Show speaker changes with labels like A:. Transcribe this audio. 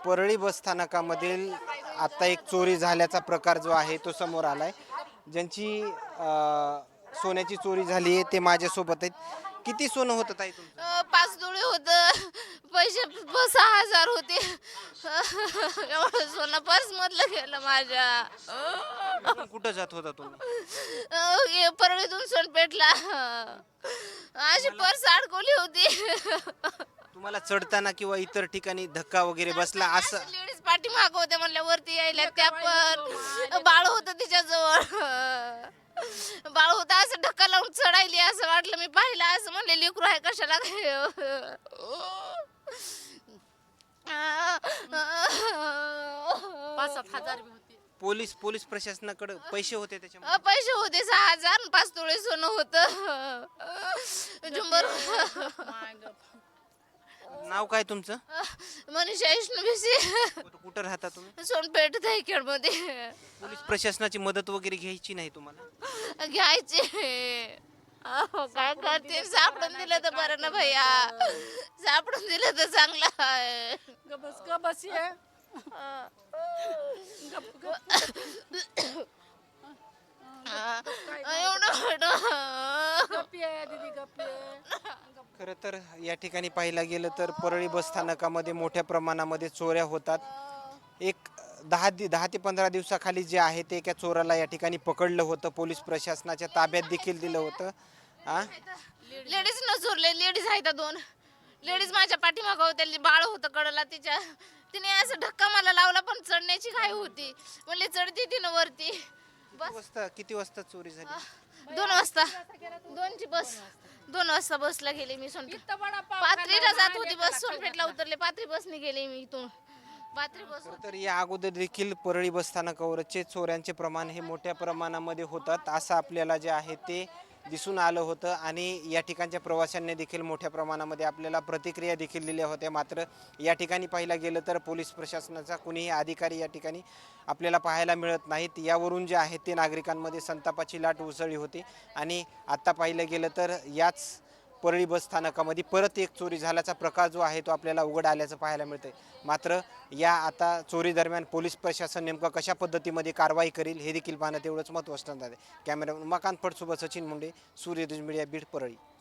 A: परळी बस स्थानकामधील आता एक चोरी झाल्याचा प्रकार जो आहे तो समोर आलाय. ज्यांची सोन्याची चोरी झाली आहे ते माझ्यासोबत आहेत. किती सोनं होतं ताई तुमचं?
B: 5 तोळे होतं. पैसे 6,000 होते. एवढं सोनं पर्समधलं गेलं माझ्या.
A: इकडून कुठं जात होता तुम्ही?
B: हे परळीतून सोनपेठला. अशी पर्स अडकवली होती.
A: तुम्हाला चढताना किंवा इतर ठिकाणी धक्का वगैरे बसला असं?
B: लेडीज पाठीमागं होत्या म्हणल्या वरती यायला त्या पण बाळ होतं तिच्याजवळ. बाळ होता असं धक्का लावून चढायली असं वाटलं. मी पाहिलं असं म्हणले लेकरू आहे कशाला काय.
C: 5-7 हजार बी होते.
A: पोलीस प्रशासनाकडे पैसे होते त्याच्यामध्ये?
B: पैसे होते 6,000, 5 तोळे सोनं होतं. झुंबर.
A: नाव काय तुमचं?
B: मनीषा विष्णुभिसी.
A: कुठं राहता तुम्ही?
B: सोनपेठ मध्ये
A: पोलीस प्रशासनाची मदत वगैरे घ्यायची नाही तुम्हाला?
B: घ्यायचे. काय करते, सापडून दिलं तर बरं ना भैया. सापडून दिलं तर चांगलं आहे.
C: गबस ये.
B: एवढं
C: गप ये दीदी गप ये.
A: खरं तर या ठिकाणी पाहायला गेलं तर परळी बस स्थानकामध्ये मोठ्या प्रमाणामध्ये चोऱ्या होतात. एक 10 ते 15 दिवसाखाली जे आहे ते एका चोराला या ठिकाणी पकडलं होतं. पोलीस प्रशासनाच्या ताब्यात देखील दिलं होतं.
B: लेडीज न चोरले. लेडीज आहेत 2 लेडीज माझ्या पाठीमागं होत्या. बाळ होतं कडला तिच्या. तिने असं धक्का मला लावला पण चढण्याची घाई होती. म्हणले चढते तिनं वरती.
A: किती वाजता चोरी झाली?
B: 2 वाजता. 2ची बस. 2 वाजता बसला गेले मी सोनपेठ. पाथरीला जात होती बस. सोनपेठला उतरले. पाथरी बसने गेले मी इथून. पाथरी बस.
A: तर या अगोदर देखील परळी बस स्थानकावरचे चोऱ्यांचे प्रमाण हे मोठ्या प्रमाणामध्ये होतात असं आपल्याला जे आहे ते दिसून आलं होतं. आणि या ठिकाणच्या प्रवाशांनी देखील मोठ्या प्रमाणामध्ये आपल्याला प्रतिक्रिया देखील दिल्या होत्या. मात्र या ठिकाणी पाहायला गेलं तर पोलीस प्रशासनाचा कुणीही अधिकारी या ठिकाणी आपल्याला पाहायला मिळत नाहीत. यावरून जे आहे ते नागरिकांमध्ये संतापाची लाट उसळली होती. आणि आत्ता पाहिलं गेलं तर याच परळी बस स्थानकामध्ये परत एक चोरी झाल्याचा प्रकार जो आहे तो आपल्याला उघड आल्याचं पाहायला मिळतंय. मात्र या आता चोरी दरम्यान पोलीस प्रशासन नेमकं कशा पद्धतीमध्ये कारवाई करेल हे देखील पाहणं तेवढंच महत्त्वाचं आहे. कॅमेरामन उमाकांत फडसोबत सचिन मुंडे, सूर्यदुज मीडिया, बीड, परळी.